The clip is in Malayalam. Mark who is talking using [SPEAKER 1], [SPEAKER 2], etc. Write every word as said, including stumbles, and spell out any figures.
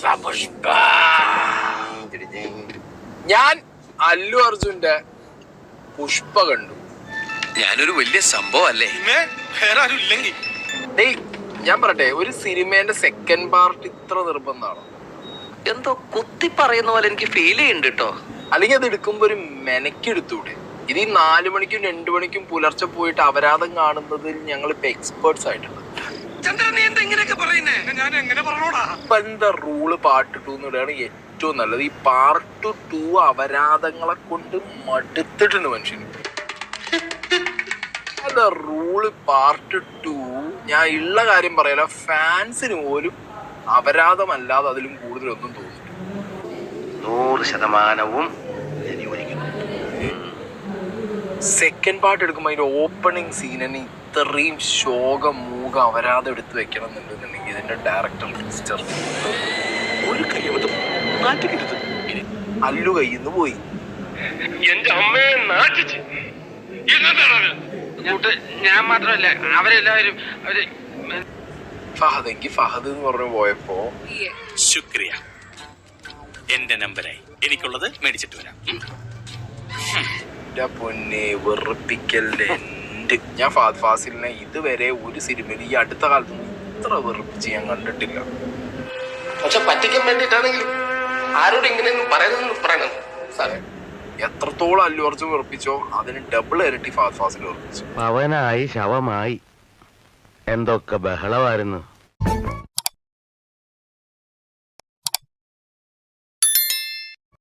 [SPEAKER 1] പുഷ്പ. ഞാൻ അല്ലു അർജുന്റെ പുഷ്പ കണ്ടു.
[SPEAKER 2] ഞാനൊരു വലിയ സംഭവം അല്ലേ?
[SPEAKER 3] വേറെ ആരും ഇല്ലെങ്കിൽ
[SPEAKER 1] ഡേയ് ഞാൻ പറട്ടെ, ഒരു സിനിമേന്റെ സെക്കൻഡ് പാർട്ട് ഇത്ര നിർബന്ധമാണോ?
[SPEAKER 2] എന്തോ കുത്തി പറയുന്ന പോലെ എനിക്ക് ഫീൽ ചെയ്യുന്നുണ്ട് കേട്ടോ.
[SPEAKER 1] അല്ലെങ്കിൽ അത് എടുക്കുമ്പോ ഒരു മെനക്കെടുത്തൂടെ? ഇത് ഈ നാലു മണിക്കും രണ്ടു മണിക്കും പുലർച്ചെ പോയിട്ട് അപരാധം കാണുന്നതിൽ ഞങ്ങൾ ഇപ്പൊ എക്സ്പേർട്സ് ആയിട്ടുണ്ട്. ഇപ്പൊ എന്താ റൂള് പാർട്ട് ടു എന്നിടാണ് ഏറ്റവും നല്ലത്. ഈ പാർട്ട് ടു അപരാധങ്ങളെ കൊണ്ട് മടുത്തിട്ടുണ്ട് മനുഷ്യന്. അതാ റൂള് പാർട്ട് ടു. ഞാൻ ഉള്ള കാര്യം പറയല, ഫാൻസിന് പോലും അപരാധമല്ലാതെ അതിലും കൂടുതലൊന്നും തോന്നില്ല.
[SPEAKER 4] നൂറ് ശതമാനവും
[SPEAKER 1] സെക്കൻഡ് പാർട്ട് എടുക്കുമ്പോൾ അതിന്റെ ഓപ്പണിങ് സീനിന് ഇത്രയും ശോകം മൂക അപരാധം എടുത്ത് വെക്കണം എന്നുണ്ടെന്നുണ്ടെങ്കിൽ ഇതിന്റെ ഡയറക്ടർ മിസ്റ്റർ
[SPEAKER 4] ഒരു കയ്യബദ്ധം നാട്ടിക്കരുത്.
[SPEAKER 1] അല്ലു കയ്യിന്ന് പോയി.
[SPEAKER 4] എന്റെ അമ്മയെ നാട്ടിച്ച്
[SPEAKER 3] ഞാൻ മാത്രമല്ല അവരെല്ലാവരും അവര്
[SPEAKER 1] ഫഹദ് എങ്കിൽ ഫഹദ് എന്ന് പറഞ്ഞു പോയപ്പോ
[SPEAKER 5] ശുക്രിയ. എന്റെ നമ്പരായി എനിക്കുള്ളത് മേടിച്ചിട്ട് വരാം.
[SPEAKER 1] എന്റെ പൊന്നെ വെറുപ്പിക്കല്ലേ എന്റെ. ഞാൻ ഫഹദ് ഫാസിലിനെ ഇതുവരെ ഒരു സിനിമയിൽ ഈ അടുത്ത കാലത്തൊന്നും ഇത്ര വെറുപ്പിച്ച് ഞാൻ കണ്ടിട്ടില്ല.
[SPEAKER 4] പക്ഷെ പറ്റിക്കാൻ വേണ്ടിട്ടാണെങ്കിലും ആരോട് ഇങ്ങനെയൊന്നും പറയുന്നതെന്ന് പറയണം സാറേ.
[SPEAKER 1] എത്രത്തോളം അല്ലു അർജുൻ വെറുപ്പിച്ചോ അതിന് ഡബിൾ ഇരട്ടി ഫഹദ് ഫാസിൽ വെറുപ്പിച്ചു.
[SPEAKER 6] അവനായി ശവമായി എന്തൊക്കെ ബഹളമായിരുന്നു.